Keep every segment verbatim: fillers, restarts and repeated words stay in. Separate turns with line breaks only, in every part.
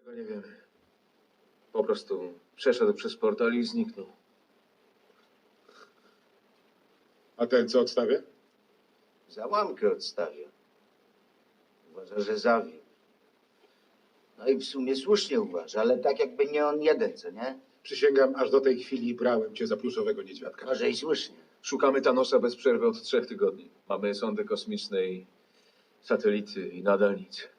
Tego nie wiemy. Po prostu przeszedł przez portal i zniknął.
A ten co odstawia?
Załamkę odstawia. Uważa, że zawiódł. No i w sumie słusznie uważa, ale tak jakby nie on jeden, co nie?
Przysięgam, aż do tej chwili brałem cię za pluszowego niedźwiadka.
Może i słusznie.
Szukamy Thanosa bez przerwy od trzech tygodni. Mamy sondy kosmiczne i satelity i nadal nic.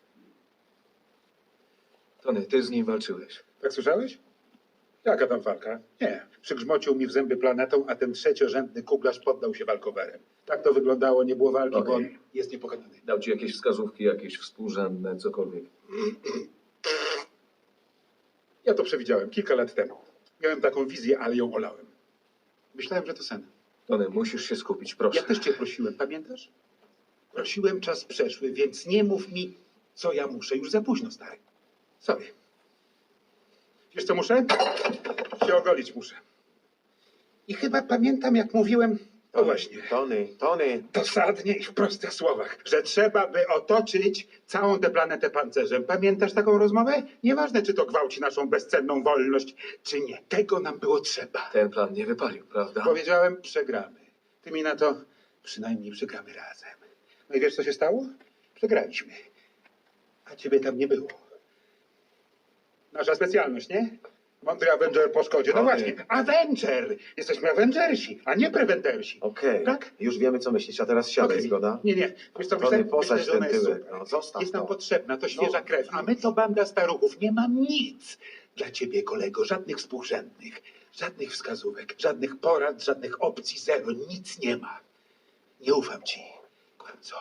Tony, ty z nim walczyłeś.
Tak słyszałeś? Jaka tam walka? Nie. Przygrzmocił mi w zęby planetą, a ten trzeciorzędny kuglarz poddał się walkowerem. Tak to wyglądało, nie było walki, bo on
Okej.
jest niepokonany.
Dał ci jakieś wskazówki, jakieś współrzędne, cokolwiek.
Ja to przewidziałem kilka lat temu. Miałem taką wizję, ale ją olałem. Myślałem, że to sen.
Tony, musisz się skupić, proszę.
Ja też cię prosiłem, pamiętasz? Prosiłem, czas przeszły, więc nie mów mi, co ja muszę. Już za późno, stary. Sorry. Wiesz, co muszę? Się ogolić muszę. I chyba pamiętam, jak mówiłem, no właśnie,
Tony, Tony.
dosadnie i w prostych słowach, że trzeba by otoczyć całą tę planetę pancerzem. Pamiętasz taką rozmowę? Nieważne, czy to gwałci naszą bezcenną wolność, czy nie. Tego nam było trzeba.
Ten plan nie wypalił, prawda?
Powiedziałem, przegramy. Ty mi na to, przynajmniej przegramy razem. No i wiesz, co się stało? Przegraliśmy. A ciebie tam nie było. Nasza specjalność, nie? Mądry Avenger po szkodzie. No
Okej.
właśnie, Avenger! Jesteśmy Avengersi, a nie Preventersi.
Okej,
Tak?
już wiemy co myślisz, a teraz siadaj,
Okej.
zgoda?
Nie, nie. Wiesz co,
Tony,
myślę,
posadź
myślę, że
ten
ona jest
tyłek,
super.
no, zostaw
Jest nam
to.
potrzebna, to świeża
No.
krew, a my to banda staruchów. Nie mam nic dla ciebie, kolego. Żadnych współrzędnych, żadnych wskazówek, żadnych porad, żadnych opcji, zero. Nic nie ma. Nie ufam ci, kłamco.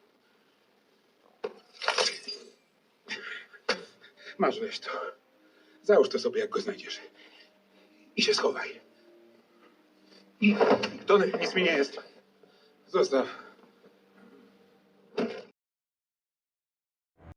Masz, weź to. Załóż to sobie, jak go znajdziesz. I się schowaj.
Tony,
Nic mi nie jest. Zostaw.